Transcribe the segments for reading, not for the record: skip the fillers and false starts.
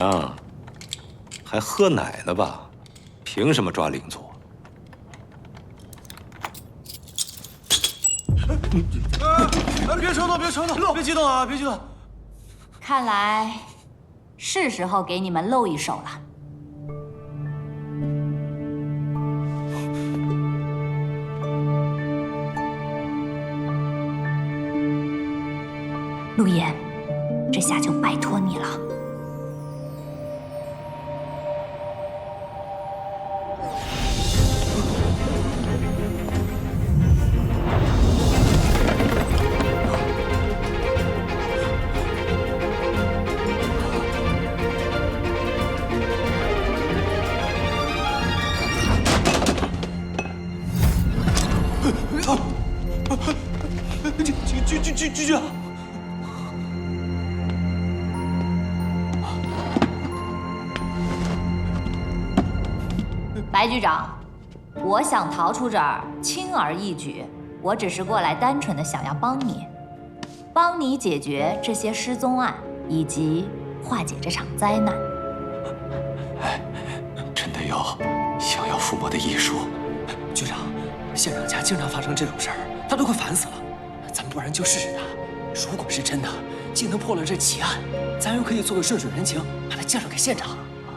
啊，还喝奶呢吧？凭什么抓领座？ 别冲动，别冲动，别激动啊，别激动。 看来是时候给你们露一手了。陆言，这下就拜托你了。 局长， 白局长，我想逃出这儿轻而易举，我只是过来单纯的想要帮你解决这些失踪案，以及化解这场灾难。 真的有想要附魔的艺术。 局长，县长家经常发生这种事儿，他都快烦死了。咱们不然就试试他，如果是真的，竟能破了这奇案，咱又可以做个顺水人情，把他介绍给县长。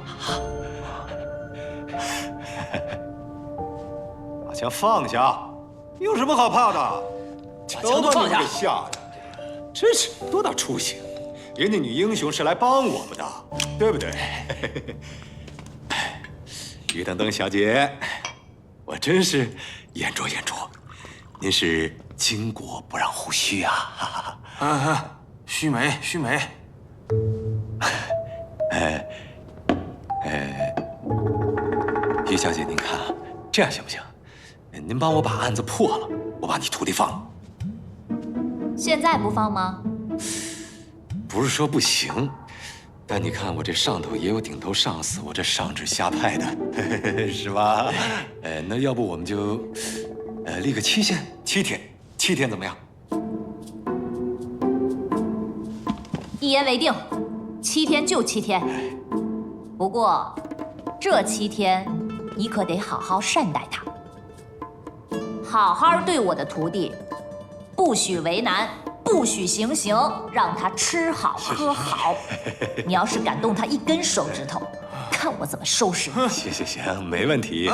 把枪放下，有什么好怕的？ 都把你们给吓的，真是多大出息！人家女英雄是来帮我们的，对不对？于等等小姐，我真是眼拙眼拙，您是巾帼不让须须啊！ 须眉，须眉。 于小姐，您看啊，这样行不行？您帮我把案子破了，我把你徒弟放了。 现在不放吗？ 不是说不行，但你看我这上头也有顶头上司，我这上至下派的，是吧？那要不我们就，立个期限，7天怎么样一言为定，7天就7天。不过，这7天你可得好好善待他，好好对我的徒弟，不许为难，不许行刑，让他吃好喝好。你要是敢动他一根手指头，看我怎么收拾你！ 行，没问题。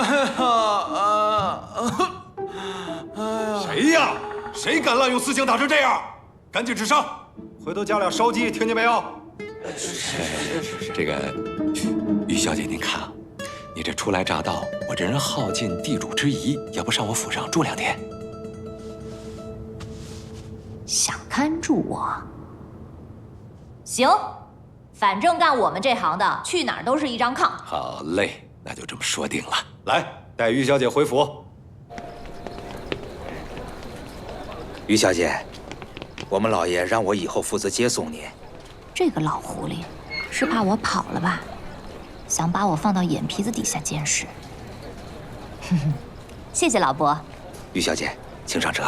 谁呀？谁敢滥用私刑打成这样？赶紧治伤，回头加俩烧鸡，听见没有？这个于小姐，您看啊，你这初来乍到，我这人好尽地主之谊，要不上我府上住2天？ 想看住我？行，反正干我们这行的，去哪儿都是一张炕。 好嘞，那就这么说定了。来，带于小姐回府。 于小姐，我们老爷让我以后负责接送您。 这个老狐狸是怕我跑了吧？想把我放到眼皮子底下监视。谢谢老伯。 于小姐，请上车。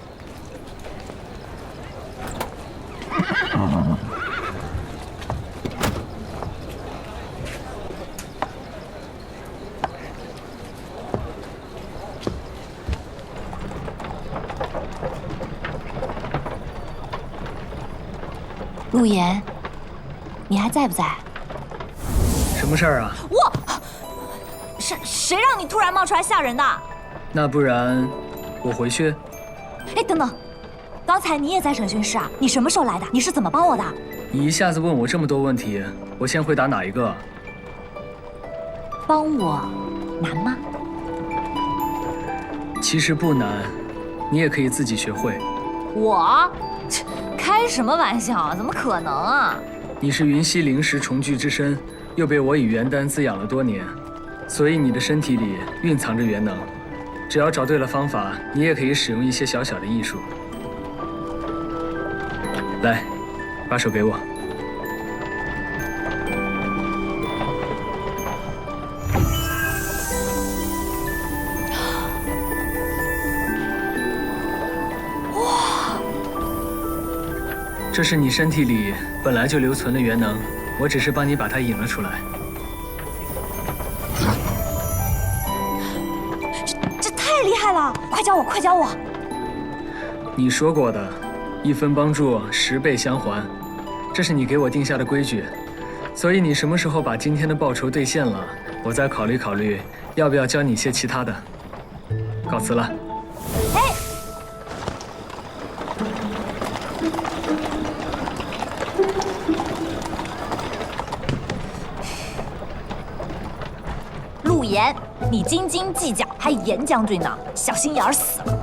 陆言，你还在不在？ 什么事儿啊？ 我，谁让你突然冒出来吓人的？ 那不然我回去。 哎，等等，刚才你也在审讯室啊？你什么时候来的？你是怎么帮我的？ 你一下子问我这么多问题，我先回答哪一个？ 帮我难吗？ 其实不难，你也可以自己学会。 我？切，开什么玩笑啊？怎么可能啊？ 你是云溪灵石重聚之身，又被我以元丹滋养了多年，所以你的身体里蕴藏着元能。只要找对了方法，你也可以使用一些小小的艺术。来，把手给我。这是你身体里本来就留存的元能， 我只是帮你把他引了出来。 这太厉害了！快教我，快教我！ 你说过的，1分帮助10倍相还，这是你给我定下的规矩。所以你什么时候把今天的报酬兑现了，我再考虑考虑要不要教你些其他的。告辞了。 哎，陆岩，你斤斤计较，还严将军呢，小心眼儿死了。